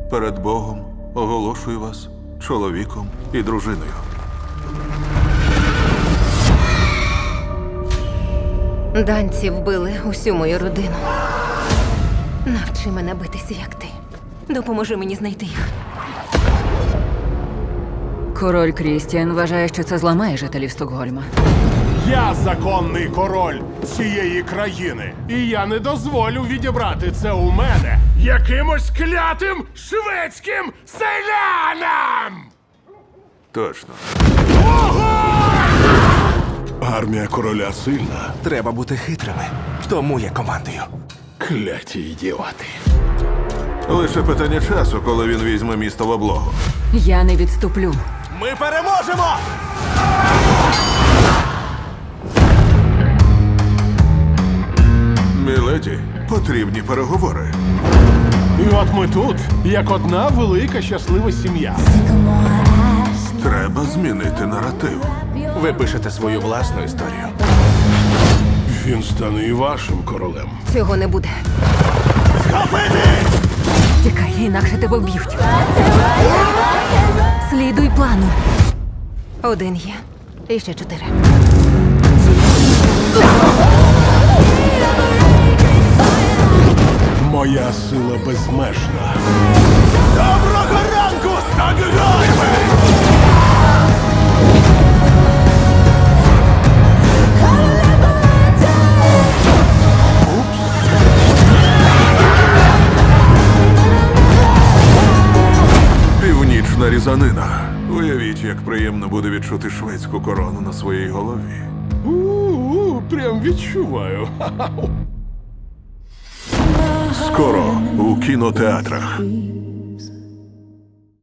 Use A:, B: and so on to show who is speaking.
A: перед Богом оголошую вас чоловіком і дружиною.
B: Данці вбили усю мою родину. Навчи мене битися, як ти. Допоможи мені знайти їх.
C: Король Крістіан вважає, що це зламає жителів Стокгольма.
D: Я законний король цієї країни. І я не дозволю відібрати це у мене якимось клятим шведським селянам!
A: Точно.
D: Армія короля сильна.
E: Треба бути хитрими. Тому я командую.
D: Кляті ідіоти.
A: Лише питання часу, коли він візьме місто в облогу.
C: Я не відступлю.
E: Ми переможемо!
A: Міледі, потрібні переговори.
D: І от ми тут, як одна велика щаслива сім'я.
A: Треба змінити наратив.
E: Ви пишете свою власну історію.
D: Він стане і вашим королем.
B: Цього не буде.
C: Тікай, інакше тебе вб'ють. Слідуй плану.
B: Один є. І ще 4.
D: Моя сила безмежна.
E: Доброго ранку, Стокгольме!
A: Північна різанина. Уявіть, як приємно буде відчути шведську корону на своїй голові.
D: Прям відчуваю.
A: Скоро у кінотеатрах.